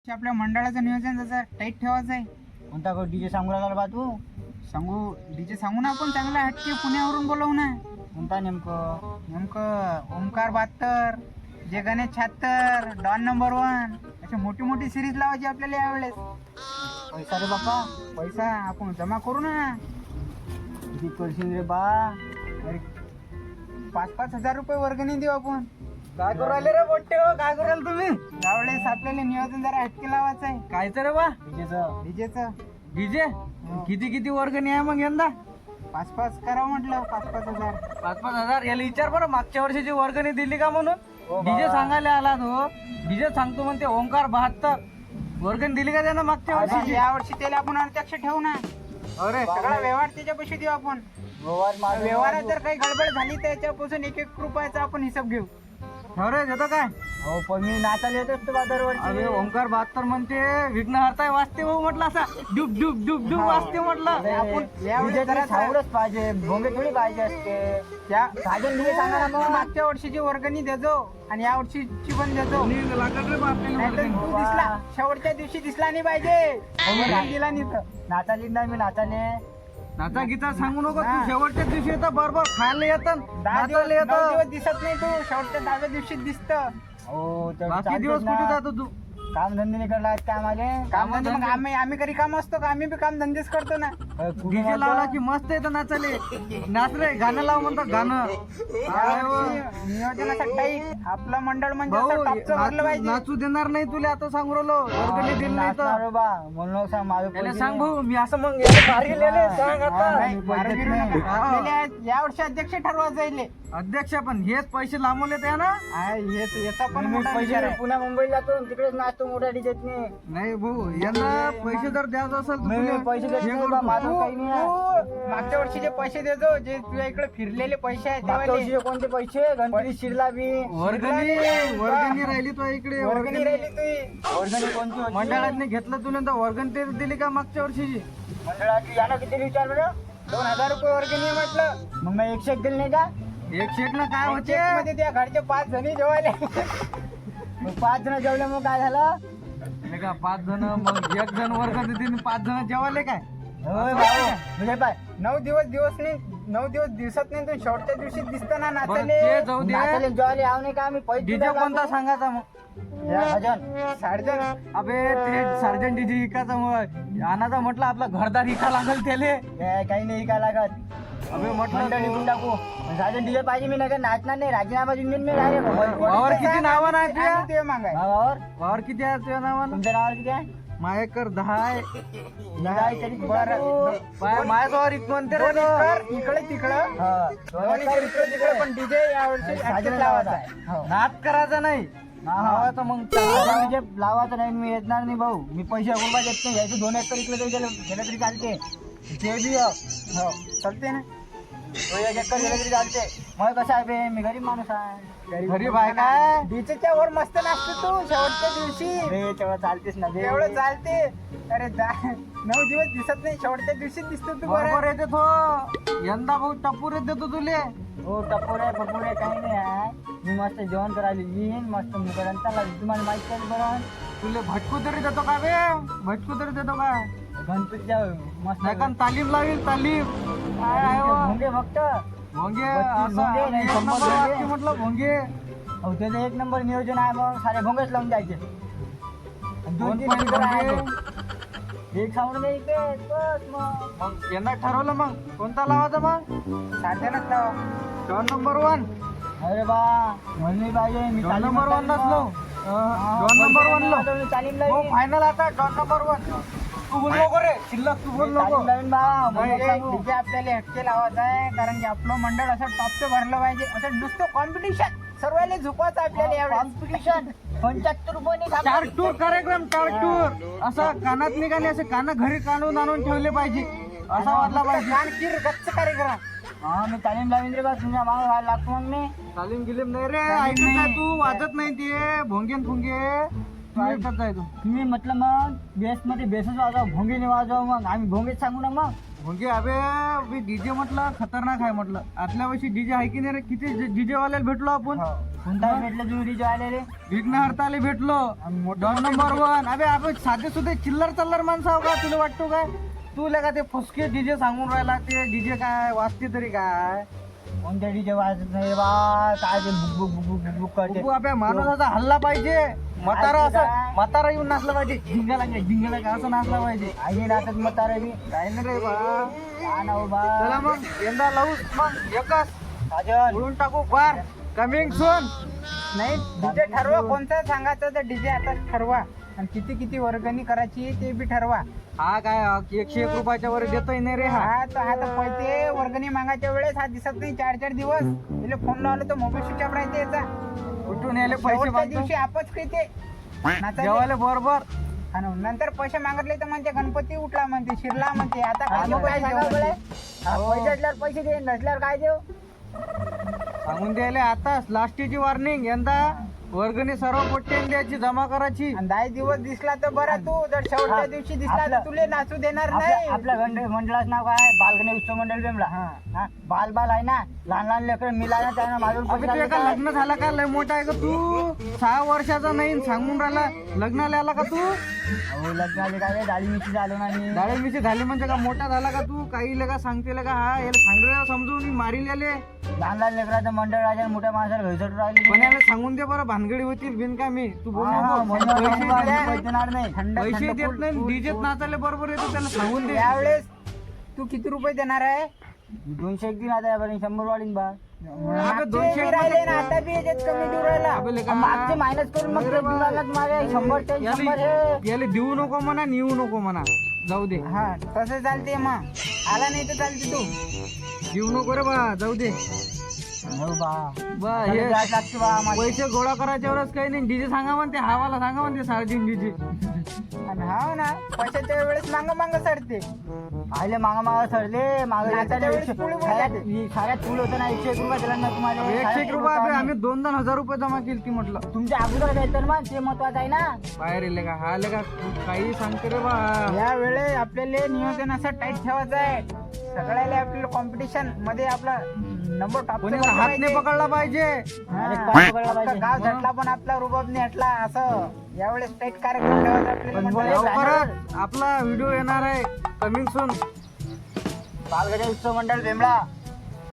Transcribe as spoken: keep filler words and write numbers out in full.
आपल्या मंडळाचं नियोजन जसं टाईट ठेवायचं आहे. कोणता को डीजे सांगू राहिला बा तू? सांगू डीजे सांगू ना आपण चांगला हटके पुण्यावरून बोलवू ना. कोणता नेमकं? नेमकं ओमकार बहात्तर, जे गणेश छात्तर, डॉन नंबर वन अशी मोठी मोठी सिरीज लावायची आपल्याला यावेळेस. पैसा रे बापा, पैसा आपण जमा करू ना. किती करशील रे बा? अरे पाच पाच हजार रुपये वर्गणी देऊ आपण. काय करू राहिले रे मोठे हो? काय करू राहिले तुम्ही? यावेळेस आपल्याला नियोजन जरा हटके लावायचं आहे. कायचं रे बा? डीजेचं डीजेचं डीजे किती किती वर्गणी आहे मग यंदा? पाच पाच करावं म्हटलं, पाच पाच हजार. पाच पाच हजार. याला विचार बरं मागच्या वर्षीची वर्गणी दिली का म्हणून. हो बा. डीजे सांगायला आला तो, डीजे सांगतो म्हणते ओंकार बहात्तर. वर्गणी दिली का त्यानं मागच्या वर्षी वर्षी? या वर्षी त्याला आपण अध्यक्ष ठेवू ना. अरे सगळा व्यवहार त्याच्यापाशी देऊ आपण. व्यवहार मागे व्यवहारात जर काही गडबड झाली तर त्याच्यापासून एक एक रुपयाचा आपण हिसाब घेऊ. अरे देतो काय? हो पण मी नाचायला येत असतो बा दरवर्षी. अरे ओंकार बहात्तर म्हणते विघ्नहर्ता वाचते भाऊ म्हटलं, असा डुब डुब डुब डुब वाचते म्हटलं. अरे, आपण यावेळी डीजे जरा सावडच पाहिजे, भोंगे थोडी पाहिजे असते. त्या साजन डीजे सांगा ना मग. मागच्या वर्षीची वर्गणी देजो आणि या वर्षीची पण देजो. लागत रे बा आपल्याला नाहीतर वर्गणी. तू दिसला शेवटच्या दिवशी दिसला नाही पाहिजे. वर्गणी दिला नाही तर. नाचायला येत नाही मी नाचाले. नाचा गीता सांगू नको हा. तू. शेवटच्या दिवशी येतं बरोबर खायला येतं, दहा दिवस नाचायला नऊ दिवस येतं. दिसत नाही तू, शेवटच्या दहाव्या दिवशी दिसत. हो तर बाकी चालतेच दिवस ना. कुठे जातो तू? काम धंदे नाही करला काम आले. काम धंदे मग आम्ही आम्ही कधी काम असतो का? आम्ही बी काम धंदेच करतो ना. डीजे लावला की मस्त येतं नाचाले. नाच रे, गाणं लाव म्हणतो गाणं. काय हो? यावर्षी नियोजनाचा टाईट आपलं मंडळ म्हणजे भाऊ असं टॉपचं भरलं नाचू पाहिजे. नाचू देणार नाही तुला, आता सांगू राहिलो. वर्गणी दिली नाही तर म्हणून सांग माझं याला पैसे सांग नाही. भाऊ, मी असं मग याला भारी लिहिले सांग आता. नाही, मारू गिरू नका. हा. आपल्याला यावर्षी अध्यक्ष ठरवायचं जाईल. अध्यक्ष पण हेच पैसे लांबवले त्या ना. याचा पण मी मोठा विचार पैसे आहे. पुन्हा मुंबईला जातो आणि तिकडेच नाचतो मोठ्या डीजेत मी. नाही भाऊ, यांना पैसे जर द्यायचं असेल तर मी तुला पैसे देत हे नाही करू बा, तू. माझं तू- काही नाही आहे. तू मागच्या वर्षीचे पैसे देतो, जे तुझ्या इकडे फिरलेले पैसे आहेत मागच्या त्यावाले. वर्षीचे कोणते पैसे? गणपती शिरला बी. वर्गणी वर्गणी राहिली तो इकडे. वर्गणी राहिली तुझी. वर्गणी कोणती होती? मंडळाने घेतलं तुला तर वर्गणी तरी दिली का मागच्या वर्षीची? मंडळाची यानं किती विचार बरं? दोन हजार रुपये वर्गणी आहे म्हटलं. मग मी एकशे एक दिले नाही का? एक शेट ना काय होते? मध्ये त्या घरचे पाच जणी जेवायले. मग पाच जण जेवले मग काय झालं? नाही का पाच जण, मग एक जण वर्ग देते आणि पाच जण जेवायले काय? होय भाऊ म्हणजे पाय नऊ दिवस दिवस नाही नऊ दिवस दिवसात नाही तू शेवटच्या दिवशी दिसत ना बरं नाचले. ते जाऊ दे. नाचायला जेवायला याव नाही का आम्ही पैसे डीजे देऊ का कोणता आम्ही? सांगायचा मग? या भजन साडेचार अबे ते सर्जन डीजे इकाचा मग आणाचा म्हटलं आपला घरदार इका लागल त्याले. हे काही नाही काय लागत. अबे म्हटलं मंडळ तू- निघून टाकू. साजन डीजे पाहिजे मी नाही नाचणार नाही. राजीनामा देऊन देईन मी डायरेक्ट. वावर किती नावं नाही तुझ्या? आणि ते मागाय भावावर वावर किती आहे तुझ्या नावानं? तुमच्या नावावर किती आहे? मायकर दहा आहे. निघाय तरी बरं. पाय- माझ्याजवळ इत म्हणते रे दोन तो. एकर इकडे तिकडं हा. दोन एकर इकडे तिकडे पण डीजे यावर्षी साजन ऍक्टिव्ह लावायचा लावायचा आहे. आहे. हो. नाच करायचा नाही. हा. लावायचं मग साजन डीजे लावायचं नाही मी येणार नाही भाऊ. मी पैसे अगोदर देत नाही. यायचं दोन एकर इकडे तरी गेलं गेलं तरी चालते. ते बी हो. हो चालते ना. तो एक एकर गेलं तरी चालते. मग कसं आहे बे, मी गरीब माणूस आहे. गरीब आहे काय? डीजेच्या वर मस्त नाचतो तू शेवटच्या दिवशी. अरे तेवढं चालतेच ना बे. एवढं चालते. अरे जा- नऊ दिवस दिसत नाही, शेवटच्या दिवशी दिसतो तू. बरोबर बरं येते तो. यंदा भाऊ टप्पूर देतो तुले. हो टपोरे पपोरे काही नाही आहे. मी मस्त जेवण करायला येईन मस्त मुकडा चालला. तुम्हाला माहिती आहे बरं तुले भटकू तरी देतो का बे? भटकू तरी देतो का? गणपतीच्या मस्त नाही का तालीम लावील तालीम. काय आहे हो? भोंगे फक्त. भोंगे बत्तीस असं भोंगे, नाही, एक शंभर नंबर भोंगे. वाक्य म्हटलं भोंगे. अहो त्याचं एक नंबर नियोजन आहे. मग सारे भोंगेच लावून द्यायचे. आणि दोन दोन तीन पॉईंट स्पीकर आहे. भोंगे. एक साऊंड नाही इथे बस मग. मग यंदा ठरवलं मग कोणता लावायचा मग? साडेचारच लावा. दोन नंबर वन. अरे बा म्हणली पाहिजे मी दोन तालीम नंबर वन लावीन नसलो. मग. दोन नंबर वन लो. आता मी तालीम हो लावीन. फायनल आता दोन नंबर वन. तू बोल नको रे, शिल्लक तू बोल मी नको. तालीम लावीन बा. म्हणजे भोंगे सांगू. डीजे आपल्याला हटके लावायचा आहे, कारण की आपलं मंडळ असं टॉपचं भरलं पाहिजे. असं नुसतं कॉम्पिटिशन सर्वांना झुकवायचं आपल्याला यावेळेस. कॉम्पिटिशन पंच्याहत्तर रुपये चार टूर कार्यक्रम चार टूर असं कानात निघाले, असे कानं घरी काढून आणून ठेवले पाहिजे. असा वाटला पाहिजे. कानकीर गच्च कार्यक्रम. हा मी तालीम लावीन रे बा. तुमच्या मागे व्हायला लागतो मग मी. तालीम गिलीम नाही रे. तालीम ऐकत नाही. आहे तू, वाजत नाही ते भोंगेन फुंगे. तू ऐकत आहे तू. तुम्ही म्हटलं मग बेस मध्ये बेसच वाजवा भोंगीने वाजवा. मग आम्ही भोंगेच सांगू ना मग. म्हणजे अबे डीजे म्हटलं खतरनाक आहे म्हटलं. आतल्या वर्षी डीजे आहे की नाही रे? किती डीजे वाल्याला भेटलो आपण. कोणता भेटलं तुम्ही डीजे आलेले? विघ्न हरताले भेटलो. Don number one. अबे आपण साधे सुधे चिल्लर चल्लर माणसं आहो का? तुला वाटतो काय? तुला का ते फुसके डीजे सांगून राहिला? ते डीजे काय वाजते तरी काय? कोणत्या डीजे वाजत नाही बा. काय ते book book book book book करते. तू आपल्या माणसाचा हल्ला पाहिजे. म्हातारा असं म्हातारा येऊन नाचला पाहिजे. झिंगाला काय झिंगाला काय असं नाचला पाहिजे. आई नाटक मग तारा बी काय नाही रे बा. काय ना हो बा. चला मग यंदा लावूच मग एकच साजन उडून टाकू बार. Coming soon. नाही डीजे ठरवा कोणता सांगायचं तर डीजे आता ठरवा आणि किती किती वर्गणी करायची ते बी ठरवा. हा काय एकशे एक रुपयाच्या वर देतोय नाही रे हा. हा तर हा तर पैसे वर्गणी मागायच्या वेळेस हा दिसत नाही चार चार दिवस तिला फोन लावला तर मोबाईल स्विच ऑफ राहते याचा. कुठून यायले पैसे शेवटच्या मागतो दिवशी आपच खेळते नाचायले. जेवायला बरोबर. आणि नंतर पैसे मागितले तर म्हणते गणपती उठला म्हणते शिरला म्हणते. आता काय मग काय जेवण? सांगावं बळे? पैसे असल्यावर पैसे दे नसल्यावर काय देऊ? सांगून द्यायले आता लास्टीची वॉर्निंग. यंदा वर्गणी सर्व पोट्टेन द्यायची जमा करायची. आणि दहा दिवस दिसला तर बरा तू जर शेवटच्या दिवशी दिसला तर आपलं- तुले नाचू देणार आपल्या नाही. आपल्या गण- मंडळाचं नाव काय आहे? बालगणे उत्सव मंडळ बेमला. हा. हा बाल बाल आहे ना. लहान लहान लेकरं मिळाला त्यांना माझून अबे तुझ्या का लग्न झाला का? लय मोठा आहे का तू? सहा वर्षाचा नाही सांगून राहिला. लग्नाला आला का तू? हो लग्न आले काय डाळी मिशी झालो ना मी. डाळे मिशी झाली म्हणजे का मोठा झाला का तू? काही लगा सांगते का? हा याला सांग रे समजून मारील याले. लहान लहान लेकराचं मंडळ राजा मोठ्या माणसाला घसट राहिली. पण याला सांगून दे बरं भानगडी होतील बिन का मी. तू बोल हा, नको. मंडळ पैसे राजा द्या. पैसे देणार नाही. थंड पैसे थंड देत फुल- नाही फुल- डीजेत फुल- नाचायला बरोबर येतो त्याला सांगून दे. यावेळेस तू किती रुपये देणार आहे? दोनशे एक दिन आता यापर्यंत शंभर वाढीन बा. मागचे दोनशे बी राहिले ना आता बी याच्यात कमी देऊ राहिला. अबे लेका, मागचे मायनस करून मग ते देऊन आलात मागे शंभर ते शंभर हे. याले याले देऊ नको म्हणा नेऊ नको म्हणा. जाऊ दे. हा तसं चालते मग. आला नाही तर चालते तू. देऊ नको रे बा. जाऊ दे. हो बा. बा त्याला हे द्यायला लागते बा आम्हाला. पैसे गोळा करायच्या वेळेस काही नाही. डीजे सांगा म्हणते हवाला सांगा म्हणते साडेतीन डीजे. आणि हा ना पैशाच्या वेळेस मांग मांग चढते. आले मागा मागा सरले मागे नाचाच्या येताना वेळेस एकशे- पुढे पुढे साऱ्यात जाते. साऱ्यात फुल होतं ना एकशे एक रुपये दिला ना तुम्हाला. एकशे साऱ्यात एक फुल रुपये होतं आपले- आम्ही. आम्ही दोन दोन हजार रुपये जमा केली ती म्हटलं. तुमच्या अगोदर द्यायचं ना ते महत्वाचं आहे ना. बाहेर येले का? हा आले का? काही सांगते रे बा. या वेळेस आपल्याला नियोजन असं टाईट ठेवायचं आहे. सगळ्याला आपल्याला कॉम्पिटिशन मध्ये आपला नंबर टॉप कोणी हात नाही पकडला पाहिजे. अरे काय पकडला पाहिजे? गाव झटला पण आपला रुबाब नाही हटला असं यावेळेस टाईट कार्यक्रम ठेवायचा आपल्याला पण मंडळी. लवकरच आपला व्हिडिओ येणार आहे. Coming soon. बालगडे उत्सव मंडळ बेमळा.